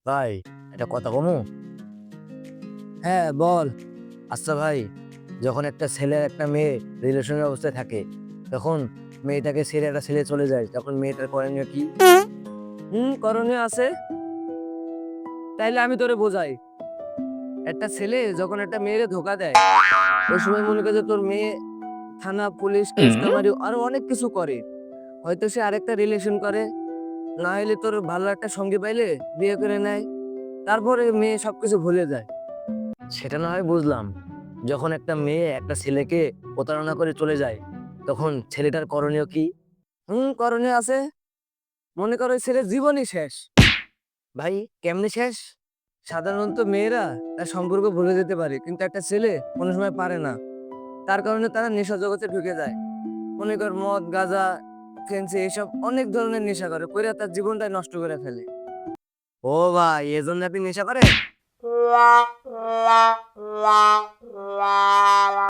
ভাই, একটা কথা কমু? হ্যাঁ, বল। আচ্ছা ভাই, যখন একটা ছেলে আর একটা মেয়ে রিলেশনের অবস্থায় থাকে, তখন মেয়েটাকে ছেড়ে একটা ছেলে চলে যায়, তখন মেয়েটার করণীয় কি? করণীয় আছে। তাইলে আমি তোরে বোঝাই। একটা ছেলে যখন একটা মেয়েরে ধোকা দেয়, ওই সময় মনে করে যে তোর মেয়ে থানা, পুলিশ, কেস কামারি আরো অনেক কিছু করে। হয়তো সে আরেকটা রিলেশন করে, না হলে তোর ভালো একটা সঙ্গী পাইলে বিয়ে করে নেয়। তারপরে মেয়ে সবকিছু ভুলে যায়। সেটা না হয় বুঝলাম। যখন একটা মেয়ে একটা ছেলেকে প্রতারণা করে চলে যায়, তখন ছেলেটার করণীয় কি? করণীয় আছে। মনে করো ওই ছেলের জীবনই শেষ। ভাই, কেমনে শেষ? সাধারণত মেয়েরা তার সম্পর্ক ভুলে যেতে পারে, কিন্তু একটা ছেলে কোনো সময় পারে না। তার কারণে তারা নেশা জগতে ঢুকে যায়। মনে কর মদ, গাঁজা, ফেন্সি এসব অনেক ধরনের নেশা করে কইরা তার জীবনটাই নষ্ট করে ফেলে। ও ভাই, এজন্য আপনি নেশা করেন?